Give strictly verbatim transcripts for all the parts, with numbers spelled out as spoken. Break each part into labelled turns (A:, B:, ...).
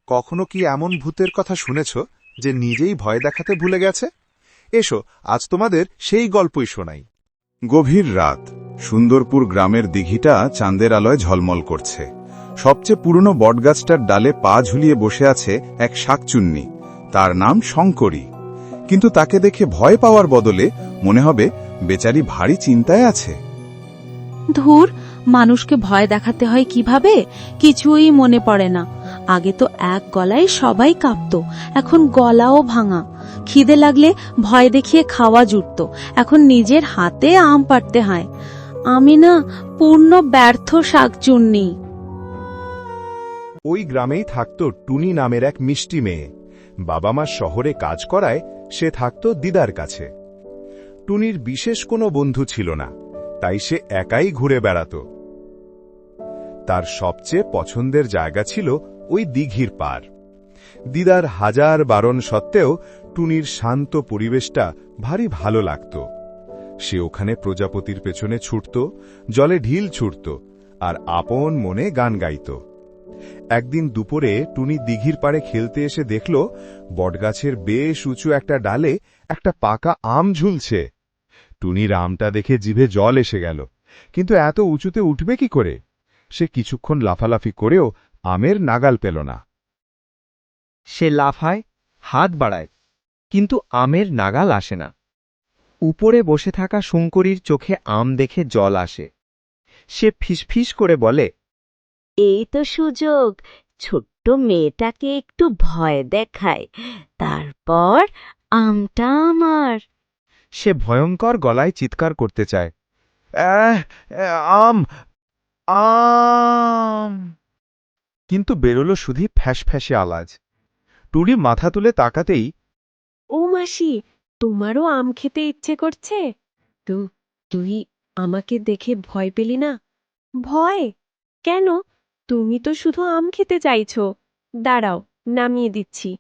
A: কখনো কি এমন ভূতের কথা শুনেছ যে নিজেই ভয় দেখাতে ভুলে গেছে? এসো আজ তোমাদের সেই গল্পই শোনাই।
B: গভীর রাত, সুন্দরপুর গ্রামের দিঘিটা চাঁদের আলোয় ঝলমল করছে। সবচেয়ে পুরনো বটগাছটার ডালে পা ঝুলিয়ে বসে আছে এক শাকচুন্নি। তার নাম শঙ্করী। কিন্তু তাকে দেখে ভয় পাওয়ার বদলে মনে হবে বেচারি ভারী চিন্তায় আছে।
C: ধুর, মানুষকে ভয় দেখাতে হয় কিভাবে কিছুই মনে পড়ে না। আগে তো এক গলায় সবাই কাঁপতো, এখন গলাও ভাঙা। খিদে লাগলে ভয় দেখিয়ে খাওয়া জুটত, এখন নিজের হাতে আম পাড়তে হয়। আমি না পূর্ণ ব্যর্থ শাকচুন্নি।
A: ওই গ্রামেই থাকত টুনি নামের এক মিষ্টি মেয়ে। বাবা মা শহরে কাজ করায় সে থাকত দিদার কাছে। টুনির বিশেষ কোনো বন্ধু ছিল না, তাই সে একাই ঘুরে বেড়াত। তার সবচেয়ে পছন্দের জায়গা ছিল ওই দিঘির পার। দিদার হাজার বারণ সত্ত্বেও টুনির শান্ত পরিবেশটা ভারী ভালো লাগত। সে ওখানে প্রজাপতির পেছনে ছুটত, জলে ঢিল ছুটত আর আপন মনে গান গাইত। একদিন দুপুরে টুনি দিঘির পাড়ে খেলতে এসে দেখল বটগাছের বেশ উঁচু একটা ডালে একটা পাকা আম ঝুলছে। টুনির আমটা দেখে জিভে জল এসে গেল, কিন্তু এত উঁচুতে উঠবে কি করে? সে কিছুক্ষণ লাফালাফি করেও আমের নাগাল পেল না।
D: সে লাফায়, হাত বাড়ায়, কিন্তু আমের নাগাল আসে না। উপরে বসে থাকা শঙ্করীর চোখে আম দেখে জল আসে। সে ফিসফিস করে বলে,
E: এই তো সুযোগ, ছোট্ট মেয়েটাকে একটু ভয় দেখায়, তারপর আমটা আমার।
D: সে ভয়ঙ্কর গলায় চিৎকার করতে চায়, "আহ, আম আম!" কিন্তু বেরোল শুধু ফ্যাঁসফ্যাঁসে আওয়াজ। টুনি মাথা তুলে তাকাতেই,
F: ও মাসি, তোমারও আম খেতে ইচ্ছে করছে? তু তুই আমাকে দেখে ভয় পেলি না? ভয় কেন? তুমি তো শুধু আম খেতে চাইছো। দাঁড়াও, নামিয়ে দিচ্ছি।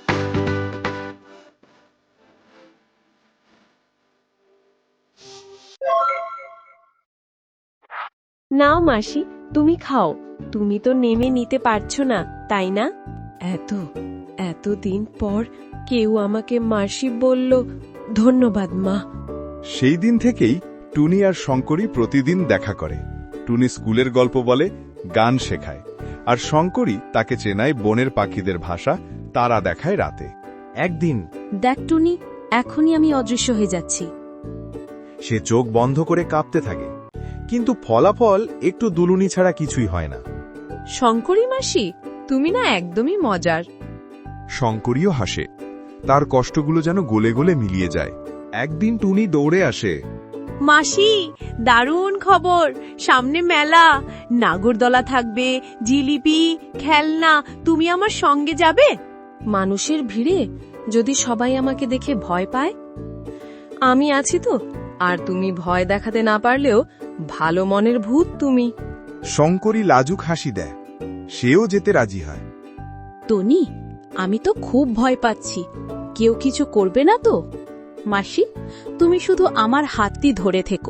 F: নাও মাসি, তুমি খাও। তুমি তো নেমে নিতে পারছো না, তাই না? এত এতদিন পর কেউ আমাকে মাসি বলল, ধন্যবাদ মা।
A: সেই দিন থেকেই টুনি আর শঙ্করী প্রতিদিন দেখা করে। টুনি স্কুলের গল্প বলে, গান শেখায়, আর শঙ্করী তাকে চেনায় বনের পাখিদের ভাষা, তারা দেখায় রাতে।
D: একদিন
C: দেখ টুনি, এখনই আমি অদৃশ্য হয়ে যাচ্ছি।
A: সে চোখ বন্ধ করে কাঁপতে থাকে, কিন্তু ফলাফল একটু দুলুনি ছাড়া কিছুই হয় না।
F: শঙ্করী মাসি, তুমি না একদমই মজার।
A: শঙ্করীও হাসে, তার কষ্টগুলো যেন গলে গলে মিলিয়ে যায়। একদিন টুনি দৌড়ে আসে,
F: মাসি, দারুণ খবর! সামনে মেলা, নাগরদোলা থাকবে, জিলিপি, খেলনা। তুমি আমার সঙ্গে যাবে?
C: মানুষের ভিড়ে যদি সবাই আমাকে দেখে ভয় পায়? আমি আছি তো, আর তুমি ভয় দেখাতে না পারলেও ভালো মনের ভূত তুমি।
A: শঙ্করী লাজুক হাসি দেয়, সেও যেতে রাজি হয়।
C: টনি, আমি তো খুব ভয় পাচ্ছি, কেউ কিছু করবে না তো? মাসি, তুমি শুধু আমার হাতটি ধরে থেকো।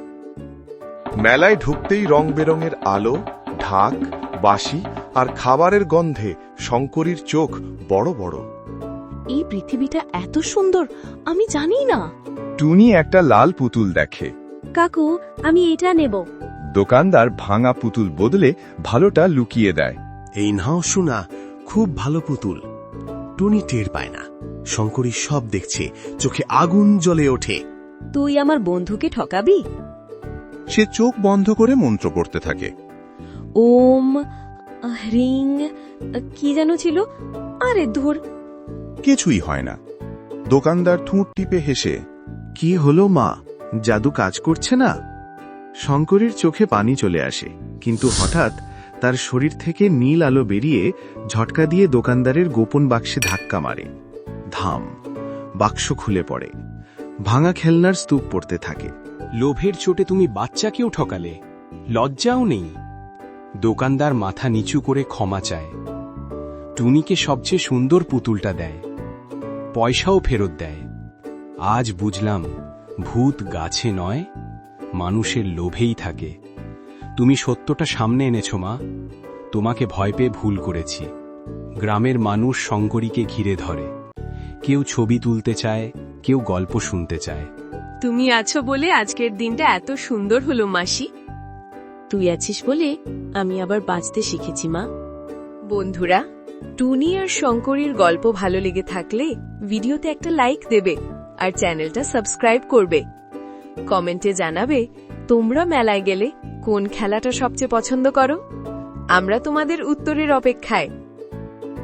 A: মেলায় ঢুকতেই রং বেরঙের আলো, ঢাক, বাঁশি আর খাবারের গন্ধে শঙ্করীর চোখ বড় বড়।
C: এই পৃথিবীটা এত সুন্দর, আমি জানি না।
A: টুনি একটা লাল পুতুল দেখে।
C: কাকু, আমি এটা নেব।
A: দোকানদার ভাঙা পুতুল বদলে ভালোটা লুকিয়ে দেয়।
G: এই নাও শোনা, খুব ভালো পুতুল। টুনি টের পায় না, শঙ্করী সব দেখছে, চোখে আগুন জ্বলে ওঠে।
C: তুই আমার বন্ধুকে ঠকাবি?
A: সে চোখ বন্ধ করে মন্ত্র পড়তে থাকে।
C: ওম হ্রিং কি যেন ছিল, আরে ধুর।
A: কিছুই হয় না। দোকানদার ঠোঁট টিপে হেসে,
G: কি হলো মা, জাদু কাজ করছে না? শঙ্করীর চোখে পানি চলে আসে, কিন্তু হঠাৎ তার শরীর থেকে নীল আলো বেরিয়ে ঝটকা দিয়ে দোকানদারের গোপন বাক্সে ধাক্কা মারে। ধাম, বাক্স খুলে পড়ে। ভাঙা খেলনার স্তূপ পড়তে থাকে।
H: লোভের চোটে তুমি বাচ্চাকেও ঠকালে, লজ্জাও নেই। দোকানদার মাথা নিচু করে ক্ষমা চায়। টুনিকে সবচেয়ে সুন্দর পুতুলটা দেয়, পয়সাও ফেরত দেয়। আজ বুঝলাম, ভূত গাছে নয়, মানুষের লোভেই থাকে। তুমি সত্যটা সামনে এনেছো মা, তোমাকে ভয় পেয়ে ভুল করেছি। গ্রামের মানুষ শঙ্করীকে ঘিরে ধরে। কেউ ছবি তুলতে চায়, কেউ গল্প শুনতে চায়।
F: তুমি আছো বলে আজকের দিনটা এত সুন্দর হলো মাসি। তুই আছিস বলে আমি আবার বাঁচতে শিখেছি মা। বন্ধুরা, টুনি আর শঙ্করীর গল্প ভালো লেগে থাকলে ভিডিওতে একটা লাইক দেবে আর চ্যানেলটা সাবস্ক্রাইব করবে। কমেন্টে জানাবে তোমরা মেলায় গেলে কোন খেলাটা সবচেয়ে পছন্দ করো। আমরা তোমাদের উত্তরের অপেক্ষায়।